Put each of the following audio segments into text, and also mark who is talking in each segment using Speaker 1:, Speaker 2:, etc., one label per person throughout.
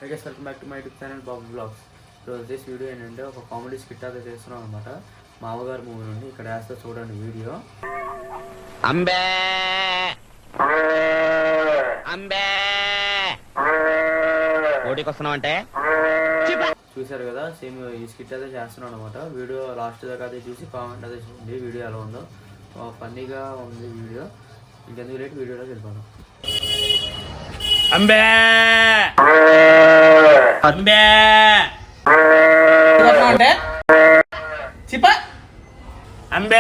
Speaker 1: I guess welcome back to my YouTube channel Bob Vlogs. So this video ఏంటంటే ఒక comedy skit అయితే చేస్తున్నాం అనమాట. మామగారు మూవీ నుండి ఇక్కడ వేస్తే చూడండి వీడియో.
Speaker 2: అంబే అంబే ఓడికి వస్తున్నావు అంటే
Speaker 1: చూసారు కదా, సేమ్ ఈ స్కిట్ అయితే చేస్తున్నాం అనమాట. వీడియో లాస్ట్ దాకా అయితే చూసి కామెంట్ అయితే చూడండి వీడియో ఎలా ఉందో. ఫన్నీగా ఉంది వీడియో. ఇంకెందుకు లేట్ వీడియోలోకి వెళ్ళిపోదాం.
Speaker 3: అంబే అంబే అంటే చిప్ప అంబే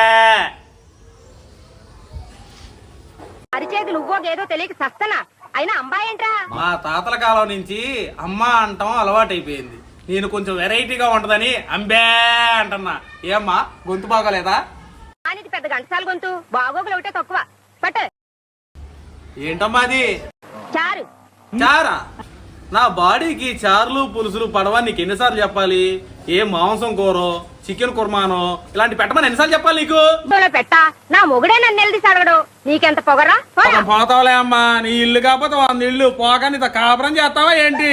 Speaker 4: అరిచేతులు ఉవ్వోగేదో తెలియక సస్తనా అయినా అంబాయి ఏంట్రా?
Speaker 3: మా తాతల కాలం నుంచి అమ్మ అంటాం అలవాటైపోయింది. నేను కొంచెం వెరైటీగా ఉంటదని అంబే అంటున్నా. ఏమ్మా గొంతు బాగోలేదా?
Speaker 4: అనేది పెద్ద గంటసాల గొంతు, బాగోగులు ఒకటే తక్కువ. పట్టు.
Speaker 3: ఏంటమ్మా అది?
Speaker 4: చారు.
Speaker 3: చారా? నా బాడీకి చారులు పులుసులు పడవా నీకు ఎన్నిసార్లు చెప్పాలి? ఏ మాంసం కూరో చికెన్ కుర్మానో ఇలాంటి పెట్టమని ఎన్నిసార్లు చెప్పాలి నీకు?
Speaker 4: పెట్టా నా మొగుడే నన్ను నిలదీసి అడగడు. నీకెంత పొగరా?
Speaker 3: పోతావులే అమ్మా, నీ ఇల్లు కాకపోతే 100 ఇల్లు పోగా నీతో కాపురం చేస్తావా ఏంటి?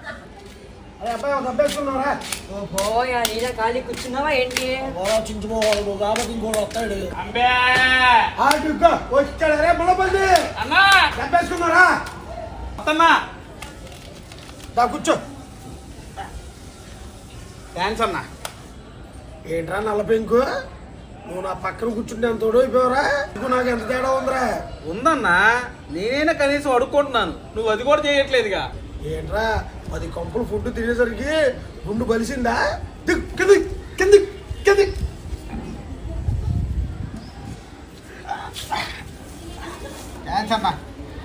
Speaker 4: కూర్చున్నావా ఏంటి?
Speaker 5: కూర్చో.
Speaker 3: థ్యాంక్స్ అన్నా.
Speaker 5: ఏంట్రా నల్ల పెంకు, నువ్వు నా పక్కన కూర్చుంటే ఎంత తోడైపోయావరా? నాకు ఎంత తేడా ఉందిరా?
Speaker 3: ఉందన్నా, నేనైనా కనీసం అడుక్కుంటున్నాను, నువ్వు అది కూడా చేయట్లేదుగా.
Speaker 5: ఏంట్రా 10 కంపులు ఫుడ్ తినేసరికి గుండు బలిసిందా? కింది కింది కింది.
Speaker 3: థ్యాంక్స్ అన్నా.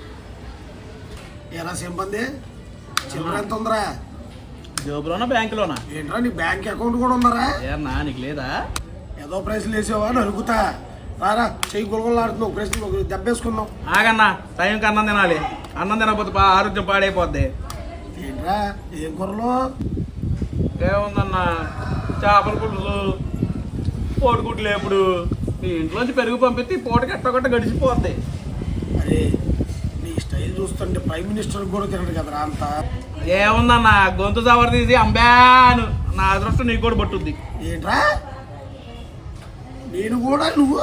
Speaker 5: ఎలా సింపంది? చిల్లర ఎంత ఉందరా?
Speaker 3: జోబులోనా బ్యాంకులోనా?
Speaker 5: ఏంట్రా నీ బ్యాంక్ అకౌంట్ కూడా ఉందరా?
Speaker 3: ఏమన్నా నీకు లేదా?
Speaker 5: ఏదో ప్రైస్లు వేసావా అని అడుగుతా. రారా చెయ్యి గులగొలాడుతున్నావు, ప్రైస్లు దెబ్బేసుకున్నావు.
Speaker 3: ఆగన్నా, టైంకి అన్నం తినాలి. అన్నం తినకపోతే ఆరోగ్యం పాడైపోద్ది.
Speaker 5: ఏంట్రా ఏం కూరలు?
Speaker 3: ఏముందన్నా, చేపల పులుసు, కోడిగుడ్లు ఎప్పుడు నీ ఇంట్లోంచి పెరుగు పంపిస్తే పూటకి ఎట్టగొట్ట గడిచిపోద్ది.
Speaker 5: అరే నీ స్టైల్ చూస్తుంటే ప్రైమ్ మినిస్టర్ కూడా తినడు కదరా అంత.
Speaker 3: ఏముందన్నా, గొంతు జవర్ తీసి అంబాను నా అదృష్టం నీకు కూడా పట్టుద్ది.
Speaker 5: ఏంట్రా నేను కూడా నువ్వు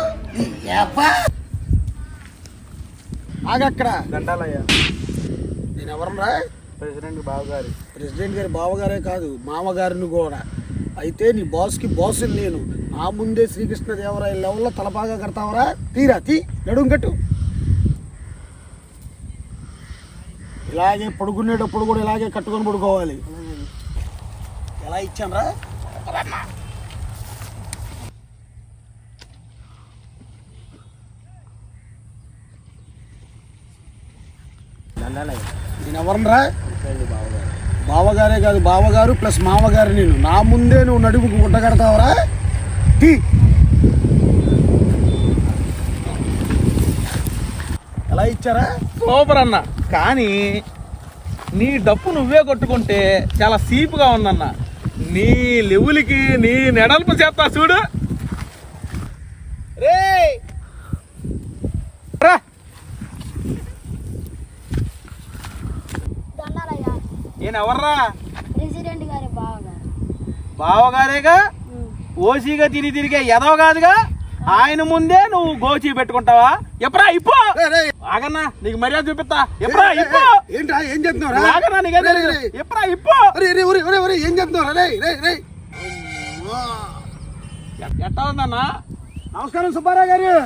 Speaker 5: ఆగక్కడ
Speaker 3: దండాలయ్యా.
Speaker 5: నేను ఎవరన్నా?
Speaker 3: ప్రెసిడెంట్ బావగారు.
Speaker 5: ప్రెసిడెంట్ గారి బావగారే కాదు, మామగారిని కూడా. అయితే నీ బాస్కి బాస్ నేను. నా ముందే శ్రీకృష్ణదేవరాయ లెవెల్లో తలపాగా కడతావరా? తీరా తీ, నడుం కట్టు. ఇలాగే పడుకునేటప్పుడు కూడా ఇలాగే కట్టుకొని పడుకోవాలి. ఎలా ఇచ్చానరా? నేను ఎవరనరా? బావగారే కాదు, బావగారు ప్లస్ మామగారు నేను. నా ముందే నువ్వు నడుముకు గుడ్డ కడతావరా? టీ ఎలా ఇచ్చారా?
Speaker 3: సూపర్ అన్న. కానీ నీ డప్పు నువ్వే కొట్టుకుంటే చాలా సీపుగా ఉందన్న. నీ లెవులకి నీ నెడల్పు చేస్తా చూడు. రే నేను ఎవర్రా?
Speaker 4: ప్రెసిడెంట్ గారి బావగారు.
Speaker 3: బావగారేగా. ఓసీగా తిరిగే ఎదవ కాదుగా. ఆయన ముందే నువ్వు గోచి పెట్టుకుంటావా? ఎప్పుడా ఇప్పు ఆగన్నా, నీకు మర్యాద చూపిస్తా. ఎప్పుడా ఇప్పు.
Speaker 5: ఏంట్రా ఏం చేస్తున్నారా?
Speaker 3: ఆగన్నా, నీకు ఎప్పుడా ఇప్పు.
Speaker 5: ఏం చేస్తున్నారా?
Speaker 3: ఎట్టా ఉందన్నా?
Speaker 5: నమస్కారం సుబ్బారావు గారు.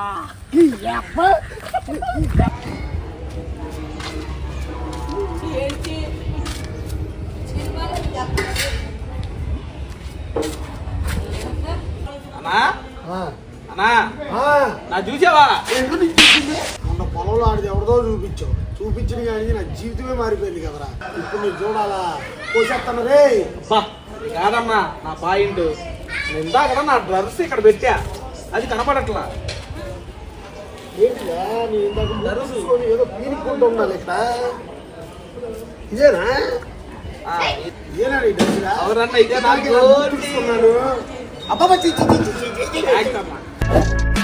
Speaker 3: అన్నా అన్నా, నా చూసావా?
Speaker 5: మొన్న పొలంలో ఆడిది ఎవరిదో చూపించింది కానీ నా జీవితమే మారిపోయింది కదరా. ఇప్పుడు నువ్వు చూడాలా? పోసేస్తాను రే.
Speaker 3: కాదమ్మా నా పాయింట్. ఇందాక నా డ్రస్ ఇక్కడ పెట్టా, అది కనపడట్లా.
Speaker 5: ఏంటిదా నీ ఇందాక చూసుకొని ఏదో పీనుకుంటూ ఉండాలి ఇక్కడ. ఇదేనా? ఇదేనా నీ డ్రెస్సురా?
Speaker 3: ఎవరన్నా ఇదే నాకు
Speaker 5: చూసుకున్నాను. అబ్బా
Speaker 3: థ్యాంక్స్ అమ్మా.